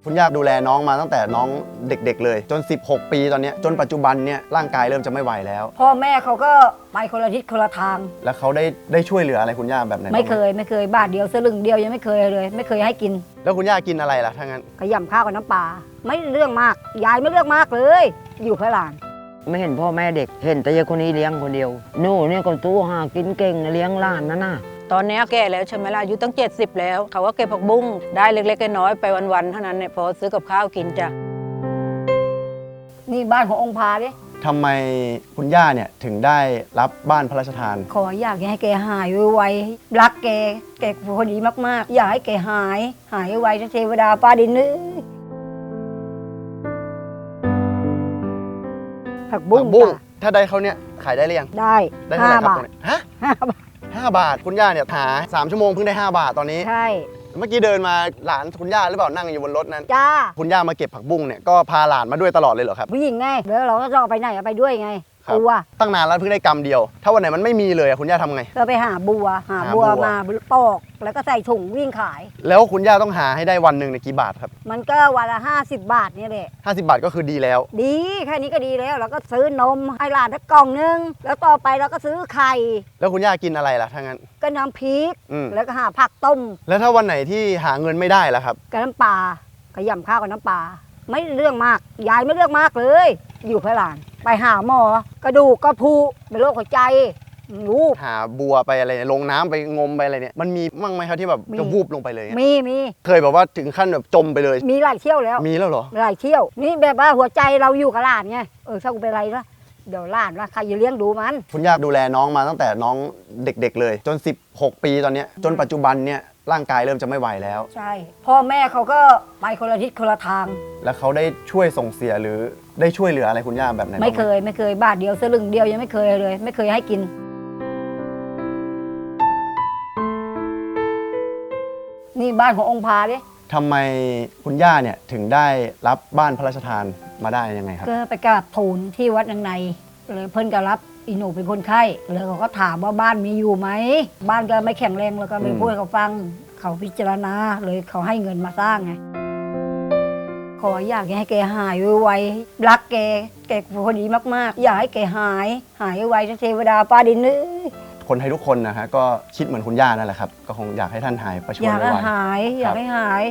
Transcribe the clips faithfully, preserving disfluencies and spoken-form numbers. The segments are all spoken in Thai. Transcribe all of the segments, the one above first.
คุณย่าดูแลน้องมาตั้งแต่น้องเด็กๆเลยจนสิบหกปีตอนนี้จนปัจจุบันเนี่ยร่างกายเริ่มจะไม่ไหวแล้วพ่อแม่เขาก็ไปคนละทิศคนละทางแล้วเขาได้ได้ช่วยเหลืออะไรคุณย่าแบบไหนไม่เคยไม่เคยบาทเดียวสลึงเดียวยังไม่เคยเลยไม่เคยให้กินแล้วคุณย่ากินอะไรล่ะถ้างั้นขยำข้าวกับน้ำปลาไม่เรื่องมากยายไม่เรื่องมากเลยอยู่ข้างหลังไม่เห็นพ่อแม่เด็กเห็นแต่ยายคนนี้เลี้ยงคนเดียวหนูเนี่ยคนตู้หากินเก่งเลี้ยงหลานนั่นน่ะตอนนี้แก่แล้วใช่ไหมล่ะอายุตั้งเจ็ดสิบแล้วเขาก็เก็บผักบุ้งได้เล็กๆน้อยๆไปวันๆเท่านั้นเนี่ยพอซื้อกับข้าวกินจ้ะนี่บ้านขององค์พาดิทำไมคุณย่าเนี่ยถึงได้รับบ้านพระราชทานขออยากให้แกหายไวๆรักแกแกพอดีมากๆอยากให้แกหายหายไวๆเทวดาฟ้าดินนึผักบุ้งถ้าได้เขาเนี่ยขายได้หรือยังได้ได้เท่าไหร่ครับฮะห้าบาทห้าบาทคุณย่าเนี่ยหาสามชั่วโมงเพิ่งได้ห้าบาทตอนนี้ใช่เมื่อกี้เดินมาหลานคุณย่าหรือเปล่านั่งอยู่บนรถนั้นจ้าคุณย่ามาเก็บผักบุ้งเนี่ยก็พาหลานมาด้วยตลอดเลยเหรอครับผู้หญิงไงแล้วเราก็จะไปไหนไปด้วยไงบัวตั้งนานแล้วเพิ่งได้กำเดียวถ้าวันไหนมันไม่มีเลยคุณย่าทำไงก็ไปหาบัวหาบัวมาปอกแล้วก็ใส่ถุงวิ่งขายแล้วคุณย่าต้องหาให้ได้วันหนึ่งในกี่บาทครับมันก็วันละห้าสิบบาทนี่แหละห้าสิบบาทก็คือดีแล้วดีแค่นี้ก็ดีแล้วเราก็ซื้อนมให้หลานสักกล่องนึงแล้วต่อไปเราก็ซื้อไข่แล้วคุณย่ากินอะไรล่ะถ้างั้นก็น้ำพริกแล้วก็หาผักต้มแล้วถ้าวันไหนที่หาเงินไม่ได้ล่ะครับก็น้ำปลาขยำข้าวกับน้ำปลาไม่เรื่องมากยายไม่เรื่องมากเลยอยู่เพื่อหลานไปหาหมอกระดูกกระพุเป็นโรคหัวใจรู้หาบัวไปอะไรลงน้ำไปงมไปอะไรเนี่ยมันมีมั่งไหมครับที่แบบจะวูบลงไปเลยมีมีเคยแบบว่าถึงขั้นแบบจมไปเลยมีหลายเที่ยวแล้วมีแล้วเหรอหลายเที่ยวนี่แบบว่าหัวใจเราอยู่กับหลานไงเออถ้ากูเป็นไรละเดี๋ยวหลานว่าใครจะเลี้ยงดูมันคุณย่าดูแลน้องมาตั้งแต่น้องเด็กๆเลยจนสิบหกปีตอนนี้จนปัจจุบันเนี่ยร่างกายเริ่มจะไม่ไหวแล้วใช่พ่อแม่เขาก็ไปคนละทิศคนละทางแล้วเขาได้ช่วยส่งเสียหรือได้ช่วยเหลืออะไรคุณย่าแบบไหนไม่เคยไม่เคยบาทเดียวสลึงเดียวยังไม่เคยเลยไม่เคยให้กินนี่บ้านขององค์พาดิทำไมคุณย่าเนี่ยถึงได้รับบ้านพระราชทานมาได้ยังไงครับก็ไปกราบทูลที่วัดนางในเลยเพิ่นก็รับอีหนูเป็นคนไข้เลยเขาก็ถามว่าบ้านมีอยู่ไหมบ้านก็ไม่แข็งแรงแล้วก็ไม่พูดให้เขาฟังเขาพิจารณาเลยเขาให้เงินมาสร้างไงขออยากให้แกหายไวๆรักแกแกพอดีมากๆอยากให้แกหายหายไวเทวดาฟ้าดินนึคนไทยทุกคนนะฮะก็คิดเหมือนคุณย่านั่นแหละครับก็คงอยากให้ท่านหายประชวรไวๆอยากให้หายอยากให้หาย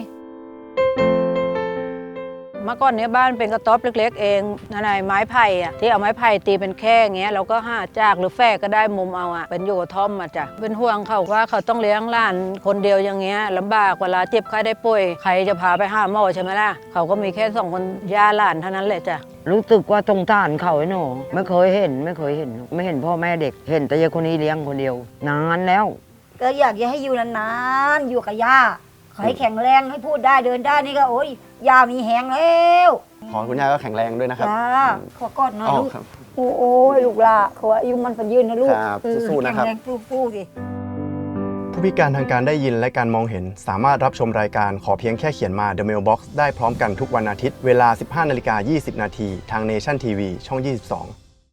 เมื่อก่อนเนี้ยบ้านเป็นกระต๊อบเล็กๆเองนั่นไงไม้ไผ่อะที่เอาไม้ไผ่ตีเป็นแค่เงี้ยเราก็หาจากหรือแฝกก็ได้มุมเอาอะเป็นอยู่กระท่อมมาจ้ะเป็นห่วงเขาว่าเขาต้องเลี้ยงหลานคนเดียวอย่างเงี้ยลำบากเวลาเจ็บไข้ได้ป่วยใครจะพาไปหาหมอใช่ไหมล่ะเขาก็มีแค่สองคนย่าหลานเท่านั้นแหละจ้ะรู้สึกว่าสงสารเขาไอ้หนูไม่เคยเห็นไม่เคยเห็นไม่เห็นพ่อแม่เด็กเห็นแต่ยายคนนี้เลี้ยงคนเดียวนานแล้วก็อยากจะให้อยู่นานๆอยู่กับย่าขอให้แข็งแรงให้พูดได้เดินได้นี่ก็โอ้ยยามีแหงแล้วขอคุณย่าก็แข็งแรงด้วยนะครับจ้าขอกอดหน่อยลูกโอ้ยลูกละขออายุมันยืนนะลูกสู้ๆนะครับแข็งแรงสู้ๆดิผู้พิการทางการได้ยินและการมองเห็นสามารถรับชมรายการขอเพียงแค่เขียนมา The Mailbox ได้พร้อมกันทุกวันอาทิตย์เวลา สิบห้านาฬิกายี่สิบนาทีทาง Nation ที วี ช่อง ยี่สิบสอง